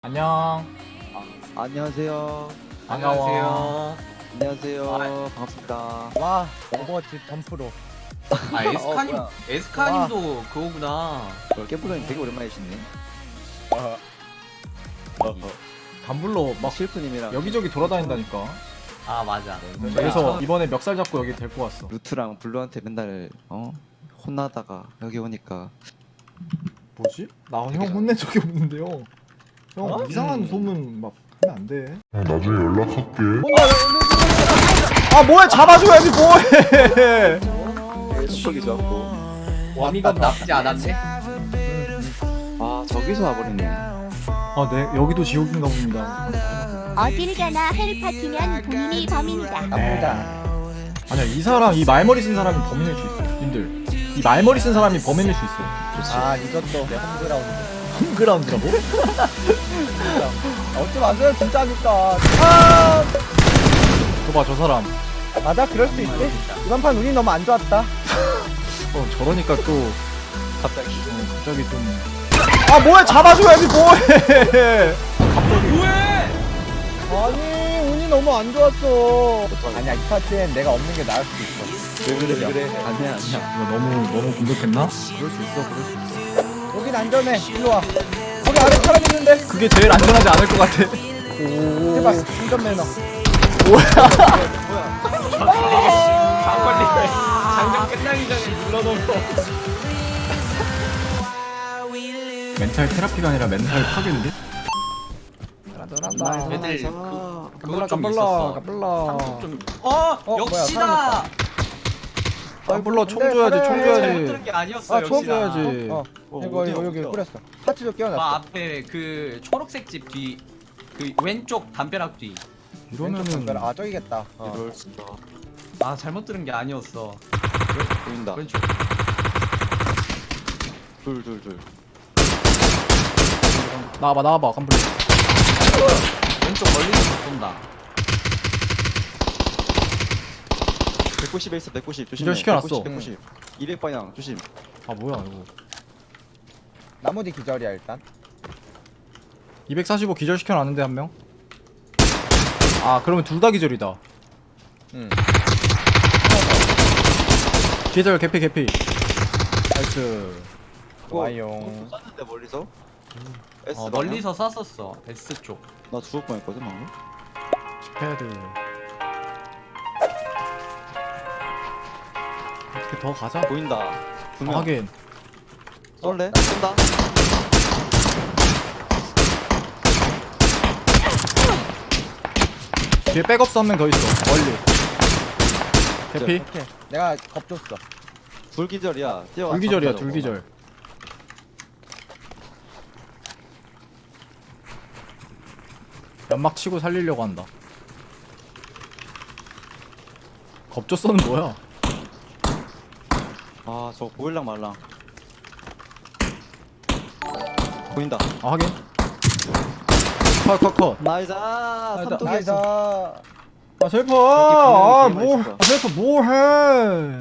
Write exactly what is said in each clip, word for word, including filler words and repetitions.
안녕. 아, 안녕하세요. 반가워. 안녕하세요. 아, 반갑습니다. 와 오버워치 덤프로. 아 에스카님 어, 에스카님도 그거구나. 어, 깨부장님 되게 오랜만이시네. 어, 담블로 막 실프님이랑 여기저기 돌아다닌다니까. 아 맞아. 그래서 이번에 멱살 잡고 여기 데리고 왔어. 루트랑 블루한테 맨날 어 혼나다가 여기 오니까 뭐지? 나 형 혼낸 적이 없는데요. 형 어? 이상한 음. 소문 막 하면 안 돼. 나중에 연락할게. 아 뭐해, 잡아줘야지 뭐해. 속이 좋았고. 와미가 나쁘지 않았네. 아 저기서 와버리네. 아 네, 여기도 지옥인가 봅니다. 어딜 가나 헬파티면 본인이 범인이다. 나쁘다. 아니야, 이 사람, 이 말머리 쓴 사람이 범인일 수 있어. 님들, 이 말머리 쓴 사람이 범인일 수 있어. 좋지. 아 이것도 내 홈그라운드. 홈그라운드라고? 아, 어찌 마세요 진짜니까. 아 저봐, 저 사람. 맞아 그럴 수 있지. 이번 판 운이 너무 안 좋았다. 어 저러니까 또 갑자기. 어, 갑자기 좀. 아 뭐해, 잡아줘야지 뭐해. 아니 운이 너무 안 좋았어. 아니야 이 파티엔 내가 없는 게 나을 수도 있어. 왜 그래 왜 그래. 아니야 아니야. 이거 너무 너무 공격했나? 그럴 수 있어, 그럴 수 있어. 여긴 안전해. 일로 와. 거기 아래 사람 있는데. 그게 제일 안전하지 않을 것 같아. 제발 운전 매너. 장관리 장전 끝나기 전에 눌러놓고. 멘탈 테라피가 아니라 멘탈 파괴인데? 잘한다. 애들 아, 그 그거 좀 까불라 있었어. 까불라. 좀. 어, 어, 역시다. 뭐야, 아 몰라, 총 근데 줘야지, 그래. 총 잘못 줘야지. 들은 게 아니었어. 아, 총 역시나. 줘야지. 어 어, 이거 어디야, 이거 여기 어디야? 뿌렸어. 파츠도 그 끼워놨어. 앞에 그 초록색 집 뒤. 그 왼쪽 담벼락 뒤. 이러면은 아 저기겠다. 어. 이럴 수가. 아 잘못 들은 게 아니었어. 보인다. 왼쪽. 둘둘둘. 나와봐, 나와봐, 깜블. 왼쪽 멀리서 쏜다. 백구십에 있어 백구십 조심. 기절 시켜놨어. 백구십. 이백 방향 조심. 아 뭐야 이거. 나무 뒤 기절이야 일단. 이백사십오 기절 시켜놨는데 한 명. 아 그러면 둘 다 기절이다. 응. 기절 개피 개피. 나이스. 와용. 쐈는데 멀리서. S 어, 방향? 멀리서 쐈었어. S 쪽. 나 죽을 뻔했거든 방금. 패드. 어떻게 더 가자. 보인다. 두 명. 하긴. 쏠래? 쏜다. 뒤에 백업스 한 명 더 있어. 멀리. 개피. 오케이. 내가 겁 줬어. 불기절이야. 뛰어와. 둘기절이야, 둘기절. 연막 치고 살리려고 한다. 겁조서는 뭐야? 아, 저 보일랑 말랑. 보인다. 아 하긴. 컷컷컷. 나이스. 나이스. 삼독이었어. 아 셀프. 아 분명히 뭐? 게임할 아 셀프 뭐해?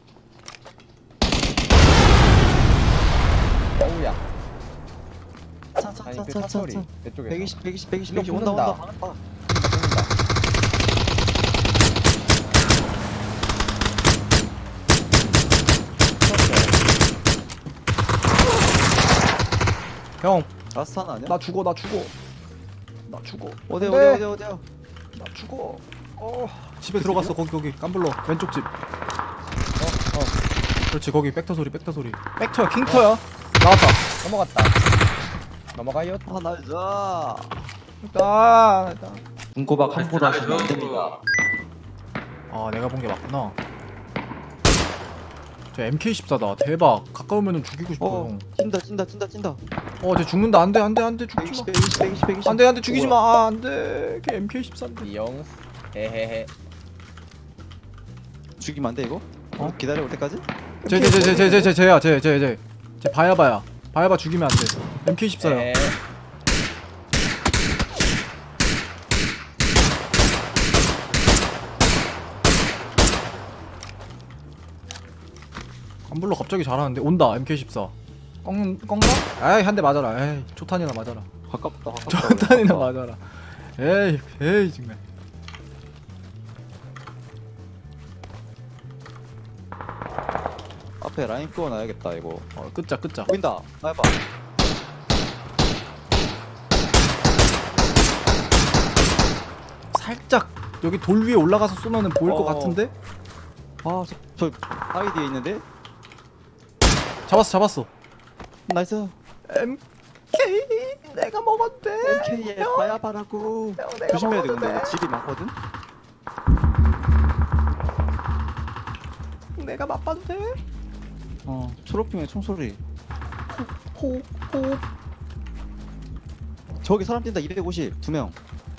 어우야. 차차차차차. 아니 그 사소리. 내 쪽에. 백이십, 백이십, 백이십, 이거 백이십. 온다, 온다. 붙는다. 방금 봐. 형, 라스트 하나 아니야? 나 죽어, 나 죽어. 나 죽어. 어디, 네. 어디, 어디, 어디야? 나 죽어. 어. 집에 들어갔어. 거기 거기 깜블러 왼쪽 집. 어, 어. 그렇지, 거기 백터 소리, 백터 소리. 백터야, 킹터야. 나왔다. 넘어갔다. 넘어가요. 아, 나이스. 일단, 일단. 군고박 한 포도 하시면 안 나이스. 됩니다. 아, 내가 본 게 맞구나. 저 엠케이 십사다. 대박. 가까우면은 죽이고 싶어, 어, 형. 찐다, 찐다, 찐다, 찐다. 어, 쟤 죽는다. 안 돼, 안 돼, 안 돼. 죽지 백이십, 마. 백이십, 백이십, 백이십. 안 돼, 안 돼. 죽이지 마. 아, 안 돼. 걔 엠케이 십사인데. 이영. 헤헤헤. 죽이면 안 돼, 이거? 어? 기다려 올 때까지? 쟤, 쟤, 쟤, 쟤, 쟤, 쟤, 쟤, 쟤야, 쟤, 쟤, 쟤. 쟤 바야바야. 바야바 죽이면 안 돼. 엠케이 십사야. 에. 깜블러 갑자기 잘하는데. 온다, 엠케이 십사. 꺾는, 꺾나? 에이, 한 대 맞아라. 에이, 초탄이나 맞아라. 가깝다 가깝다. 전탄이나 맞아라. 에이 에이 정말. 앞에 라인 끄워놔야겠다 이거. 어 끄자 끄자. 보인다. 나 해봐. 살짝 여기 돌 위에 올라가서 쏘면은 보일 것 어. 같은데? 아저 저 바위 뒤에 있는데. 잡았어 잡았어. 나이스. 엠케이 내가 먹었대. 엠케이에 바야바라고. 내가 조심해야 돼 근데 먹었대. 이거 집이 많거든. 내가 맛봐도 돼? 어 초록핑의 총소리. 호호. 저기 사람 뛴다. 이백오십 두 명.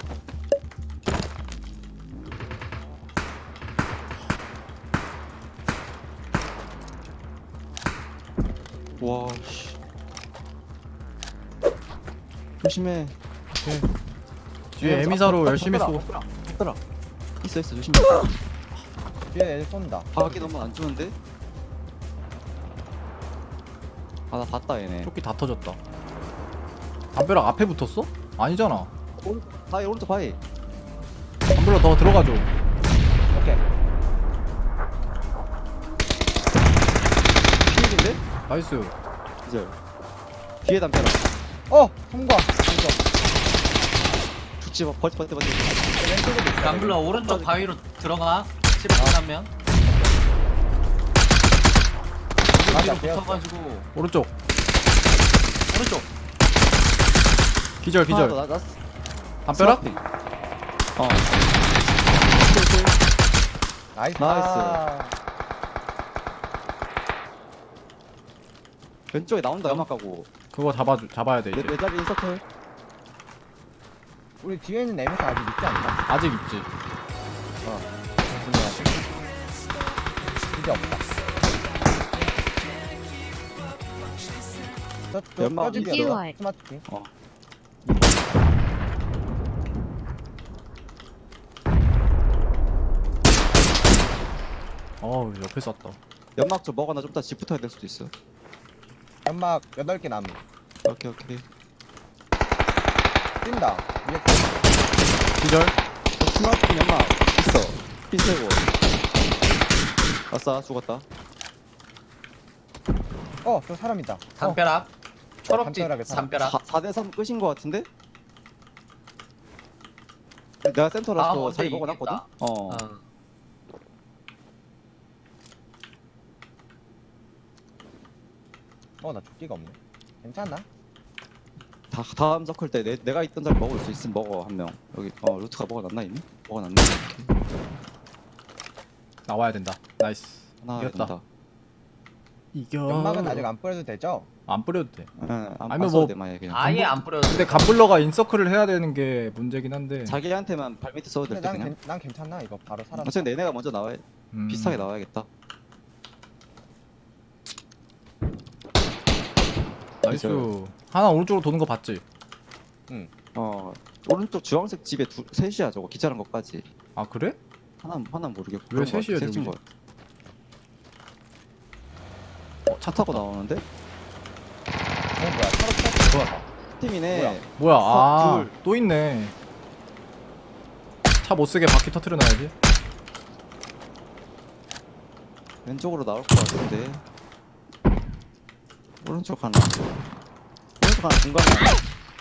와 씨. 조심해. 뒤에 에미사로 열심히 쏘. 얘들아 있어 있어 조심해. 뒤에 애들 쏜다. 바퀴 너무 안 좋은데? 아 나 봤다 얘네. 조끼 다 터졌다. 담벼락 앞에 붙었어? 아니잖아. 바위 오른쪽 바위. 담벼락 더 들어가줘. 오케이. 피일인데? 나이스. 이제 뒤에 담벼락. 어! 통과! 이거. 죽지 마. 버티 버티 버티. 왼쪽에도 있어. 람블러 오른쪽 바위로 들어가. 칠십 하면 맞아, 뒤로 배웠어. 붙어가지고 오른쪽. 오른쪽. 기절 기절. 나, 나, 담벼락? 스마핑. 어. 나이스. 나이스. 아, 왼쪽에 나온다 연막 가고. 그거 잡아 잡아야 돼 내, 이제. 내 자리 인서클. 우리 뒤에 있는 애미사 아직 있지 않나? 아직 있지. 이제 없다. 저, 저, 연막 저 집이야, 이지월. 너. 스마트키. 어. 어우 옆에 쐈다. 연막 좀 먹어놔. 좀 이따 집 붙어야 될 수도 있어. 연막 여덟 개 남은. 오케이 오케이. 뛴다. 위에 기절. 어, 스마트 연막 있어. 핀세고. 아싸 죽었다. 어, 저 사람 있다. 어, 담벼락. 초록집 담벼락에 사람. 담벼락. 사 대 삼 끝인 거 같은데? 내가 아, 센터라서 어제 자리 먹어놨거든? 이겼다. 어. 어. 어, 나 조끼가 없네. 괜찮나? 다, 다음 서클 때 내, 내가 있던 자리 먹을 수 있으면 먹어 한 명. 여기 어 루트가 먹어놨나 이미? 먹어놨네. 오케이. 나와야 된다. 나이스. 하나 이겼다. 된다. 이겨. 연막은 아직 안 뿌려도 되죠? 안 뿌려도 돼. 응, 안, 아니면 안 뭐- 써도 돼 마예 그냥. 아예 안 뿌려도 근데 돼. 갑블러가 인서클을 해야 되는 게 문제긴 한데. 자기한테만 발밑에 써도 근데 될 때 난, 그냥. 괜, 난 괜찮나? 이거 바로 살아. 어차피 얘네가 먼저 나와야 음. 비슷하게 나와야겠다. 나이스. 하나 오른쪽으로 도는 거 봤지? 어 오른쪽 주황색 집에 두, 셋이야 저거 기차란 것까지. 아 그래? 하나 하나 모르겠고. 왜 그런 거 셋이야, 같아. 셋인 저기? 거. 어, 차 타고 나오는데? 어, 뭐야? 차로 좋아. 팀이네. 뭐야? 뭐야? 아, 둘. 또 있네. 차 못 쓰게 바퀴 터트려 놔야지. 왼쪽으로 나올 것 같은데. 오른쪽 하나. 오른쪽 하나 중간에 하나.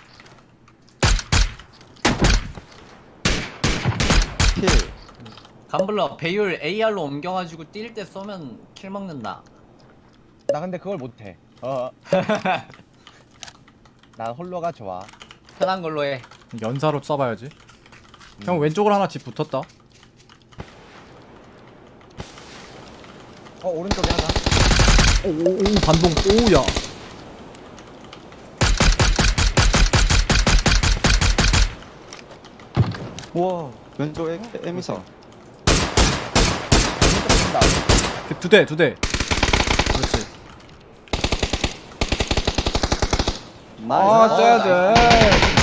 킬. 감블러 배율 에이알로 옮겨가지고 뛸 때 쏘면 킬 먹는다. 나 근데 그걸 못해. 어. 난 홀로가 좋아. 편한 걸로 해. 연사로 쏴봐야지. 형 왼쪽으로 하나 집 붙었다. 어, 오른쪽에 하나. 오오오 반동. 오야. 우와 왼쪽 에, 에미사. 오른쪽 뛴다. 두 대, 두 대. 그렇지. 나이스. 아, 쟤들.